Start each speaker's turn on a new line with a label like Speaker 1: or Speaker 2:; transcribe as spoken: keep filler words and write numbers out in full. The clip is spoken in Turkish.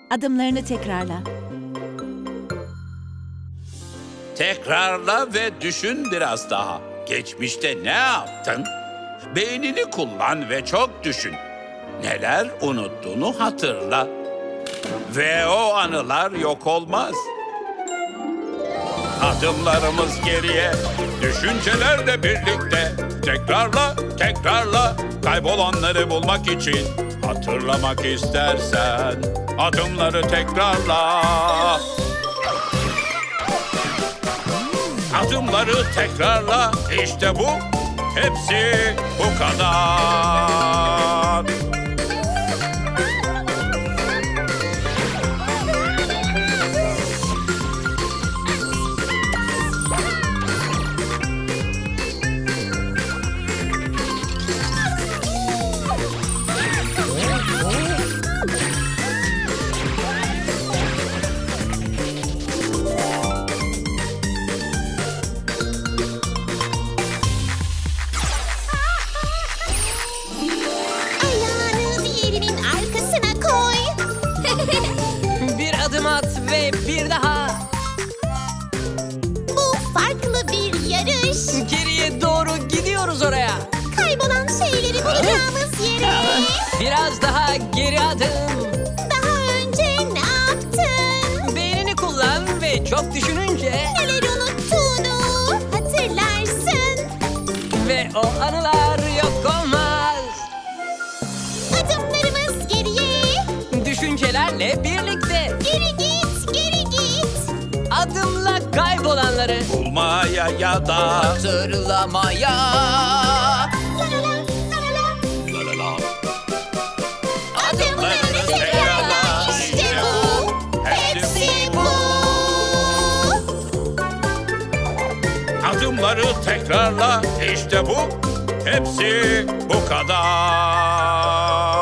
Speaker 1: Adımlarını tekrarla.
Speaker 2: Tekrarla ve düşün biraz daha. Geçmişte ne yaptın? Beynini kullan ve çok düşün. Neler unuttuğunu hatırla. Ve o anılar yok olmaz. Adımlarımız geriye, düşüncelerle birlikte. Tekrarla, tekrarla, kaybolanları bulmak için. Hatırlamak istersen, adımları tekrarla. Adımları tekrarla, işte bu, hepsi bu kadar.
Speaker 3: Ayağını diğerinin arkasına koy.
Speaker 4: Bir adım at ve bir daha.
Speaker 3: Bu farklı bir yarış.
Speaker 4: Geriye doğru gidiyoruz oraya.
Speaker 3: Kaybolan şeyleri bulacağımız yere.
Speaker 4: Biraz daha geri adım.
Speaker 3: Daha önce ne yaptın?
Speaker 4: Beynini kullan ve çok düşününce
Speaker 3: Neler unuttuğunu hatırlarsın.
Speaker 4: ve o anılar yok olmaz.
Speaker 3: Adımlarımız geriye.
Speaker 4: Düşüncelerle birlikte
Speaker 3: Geri git, geri git.
Speaker 4: adımla kaybolanları
Speaker 2: Bulmaya ya da
Speaker 4: hatırlamaya.
Speaker 3: La la la, la la la.
Speaker 2: la la la.
Speaker 3: Adımlarını tekrarla, işte bu. Hepsi bu.
Speaker 2: Adımları tekrarla, işte bu, hepsi bu kadar.